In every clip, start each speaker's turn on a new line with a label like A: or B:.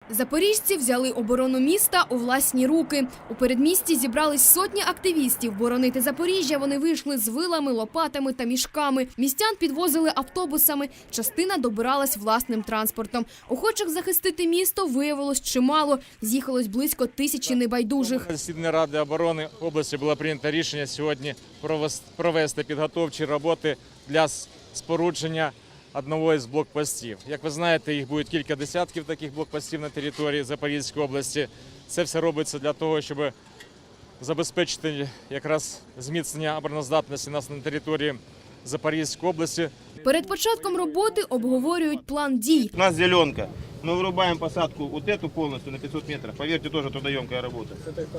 A: Запоріжці взяли оборону міста у власні руки. У передмісті зібрались сотні активістів. Боронити Запоріжжя вони вийшли з вилами, лопатами та мішками. Містян підвозили автобусами, частина добиралась власним транспортом. Охочих захистити місто виявилось чимало. З'їхалось близько 1000 небайдужих.
B: Засіданні Ради оборони області було прийнято рішення сьогодні провести підготовчі роботи для спорудження одного із блокпостів. Як ви знаєте, їх буде кілька десятків таких блокпостів на території Запорізької області. Це все робиться для того, щоб забезпечити якраз зміцнення обороноздатності нас на території Запорізької області.
A: Перед початком роботи обговорюють план дій.
C: У нас зеленка. Мы вырубаем посадку вот эту полностью на 500 метров. Поверьте, тоже трудоемкая работа.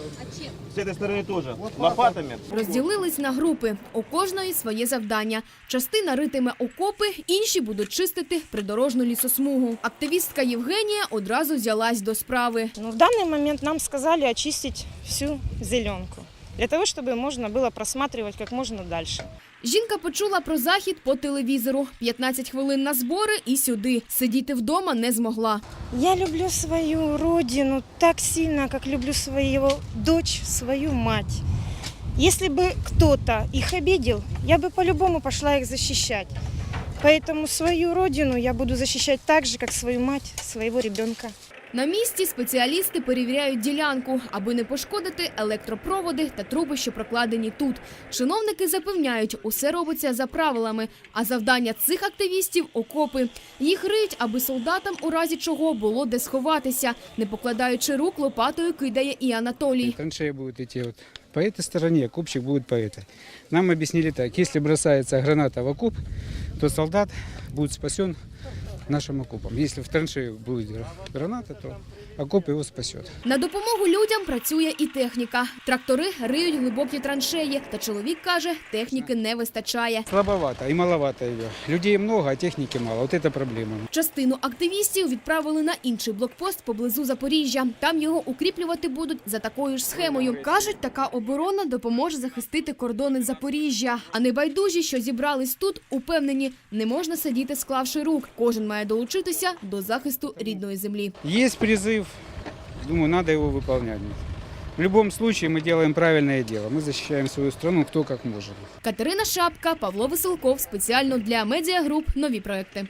C: С этой стороны тоже. Лопатами.
A: Розділились на групи. У кожної своє завдання. Частина ритиме окопи, інші будуть чистити придорожну лісосмугу. Активістка Євгенія одразу взялась до справи.
D: В данный момент нам сказали очистить всю зеленку, для того, чтобы можно было просматривать как можно дальше.
A: Жінка почула про захід по телевізору. 15 хвилин на збори і сюди. Сидіти вдома не змогла.
D: Я люблю свою родину так сильно, как люблю свою дочь, свою мать. Если бы кто-то их обидел, я бы по-любому пошла их защищать. Поэтому свою родину я буду защищать так же, как свою мать, своего ребенка.
A: На місці спеціалісти перевіряють ділянку, аби не пошкодити електропроводи та труби, що прокладені тут. Чиновники запевняють, усе робиться за правилами, а завдання цих активістів – окопи. Їх риють, аби солдатам у разі чого було де сховатися. Не покладаючи рук, лопатою кидає і Анатолій.
E: Траншеи будут идти вот по этой стороне, окопчик будет по этой. Нам объяснили так, если бросается граната в окоп, то солдат будет спасен нашим окопом. Если в траншею будет граната, то окоп его спасет.
A: На допомогу людям працює і техніка. Трактори риють глибокі траншеї. Та чоловік каже, техніки не вистачає.
E: Слабовато и маловато ее. Людей много, а техники мало. Вот это проблема.
A: Частину активістів відправили на інший блокпост поблизу Запоріжжя. Там його укріплювати будуть за такою ж схемою. Кажуть, така оборона допоможе захистити кордони Запоріжжя. А небайдужі, що зібрались тут, упевнені, не можна сидіти склавши рук. Кожен має долучитися до захисту рідної землі.
E: Есть призыв, думаю, надо его выполнять. В любом случае мы делаем правильное дело. Мы защищаем свою страну кто как может.
A: Катерина Шапка, Павло Веселков. Спеціально для Медіагруп. Нові проекти.